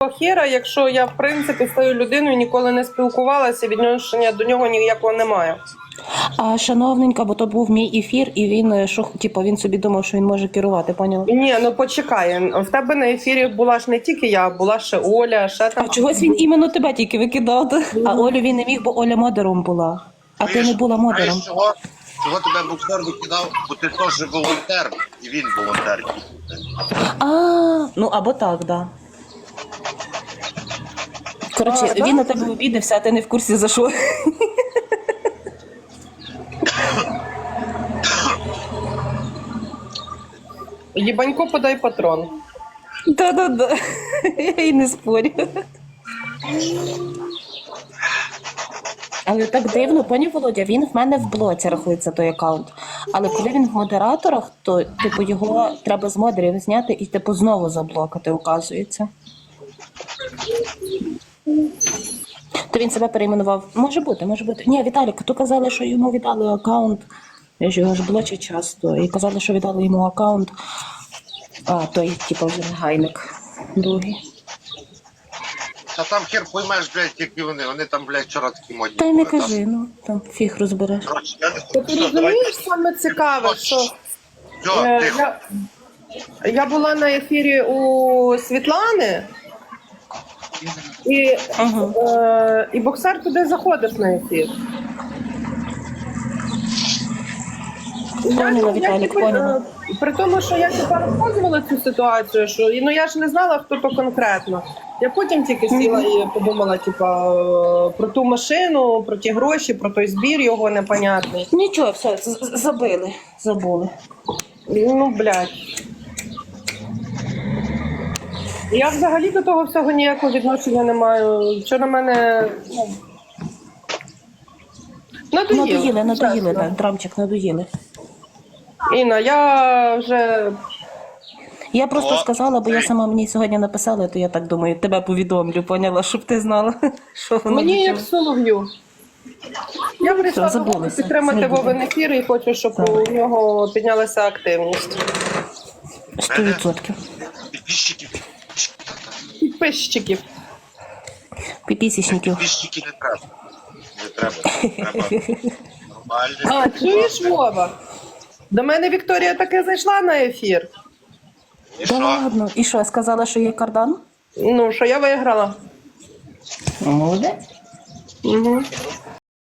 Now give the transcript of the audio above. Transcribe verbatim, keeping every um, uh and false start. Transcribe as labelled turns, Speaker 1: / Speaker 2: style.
Speaker 1: якого хера, якщо я, в принципі, з тою людиною ніколи не спілкувалася, відношення до нього ніякого немає.
Speaker 2: А шановненька, бо то був мій ефір, і він е, що, типу, він собі думав, що він може керувати, поняла?
Speaker 1: Ні, ну почекай, в тебе на ефірі була ж не тільки я, була ще Оля, ще там...
Speaker 2: А чогось він іменно тебе тільки викидав, а Олю він не міг, бо Оля модером була, а ти не була модером.
Speaker 3: Знаєш, чого? Чого тебе буксер викидав? Бо ти теж волонтер, і він волонтер.
Speaker 2: А, ну або так, да. Коротше,
Speaker 1: А,
Speaker 2: він
Speaker 1: да?
Speaker 2: на тебе обідався, а ти не в курсі за що.
Speaker 1: Єбанько, подай патрон.
Speaker 2: Да-да-да, я й не спорю. Але так дивно, пані Володя, він в мене в блоці рахується той аккаунт. Але коли він в модераторах, то типу його треба з модерів зняти і типу знову заблокати, оказується. То він себе перейменував. Може бути, може бути. Ні, Віталік, то казали, що йому віддали аккаунт. Я ж його ж блочу часто. І казали, що віддали йому аккаунт. А, той, типу, вже негайник. Другий.
Speaker 3: Та там хер поймеш, блядь, які вони. Вони там, блядь, вчора такі модні.
Speaker 2: Та й не
Speaker 3: були,
Speaker 2: кажи, ну, там фіг розбереш.
Speaker 3: Коротше, я не
Speaker 1: Ти
Speaker 3: хочу. Все, давай.
Speaker 1: розумієш, саме цікаве, що...
Speaker 3: Все,
Speaker 1: Е,
Speaker 3: тихо.
Speaker 1: я, я була на ефірі у Світлани, і,
Speaker 2: Ага.
Speaker 1: е, і боксер туди заходив на ефір.
Speaker 2: Поняла, Віталік,
Speaker 1: тепер,
Speaker 2: поняла.
Speaker 1: е, При тому, що я тепер розказувала цю ситуацію, що ну я ж не знала, хто то конкретно. Я потім тільки сіла і подумала, типа, е, про ту машину, про ті гроші, про той збір його непонятний.
Speaker 2: Нічого, все, з- з- забили, забули.
Speaker 1: Ну, блядь. Я взагалі до того всього ніякого відношення не маю. Що на мене. Ну, надоїло,
Speaker 2: Надоїли, надоїли,
Speaker 1: чесно.
Speaker 2: так, драмчик, надоїли.
Speaker 1: Інна, я вже.
Speaker 2: Я просто
Speaker 3: О,
Speaker 2: сказала, бо я
Speaker 3: цей.
Speaker 2: сама мені сьогодні написала, то я так думаю, тебе повідомлю, поняла, щоб ти знала, що воно
Speaker 1: Мені
Speaker 2: до
Speaker 1: як
Speaker 2: чого.
Speaker 1: солов'ю. Я прийшла
Speaker 2: все,
Speaker 1: до Вови
Speaker 2: забулися,
Speaker 1: підтримати
Speaker 2: забули.
Speaker 1: Вовин ефір і хочу, щоб
Speaker 2: Так.
Speaker 1: у нього піднялася активність.
Speaker 2: Сто відсотків.
Speaker 3: Підписчиків.
Speaker 1: Підписчиків.
Speaker 2: Піпісічників.
Speaker 3: Підписчики не треба. Не треба. Треба нормально.
Speaker 1: А, чуєш, Вова? До мене Вікторія таки зайшла на ефір.
Speaker 3: І
Speaker 2: Да
Speaker 3: що?
Speaker 2: ладно. І що, сказала, що є кардан?
Speaker 1: Ну, що я виграла.
Speaker 2: Молодець.
Speaker 1: Угу.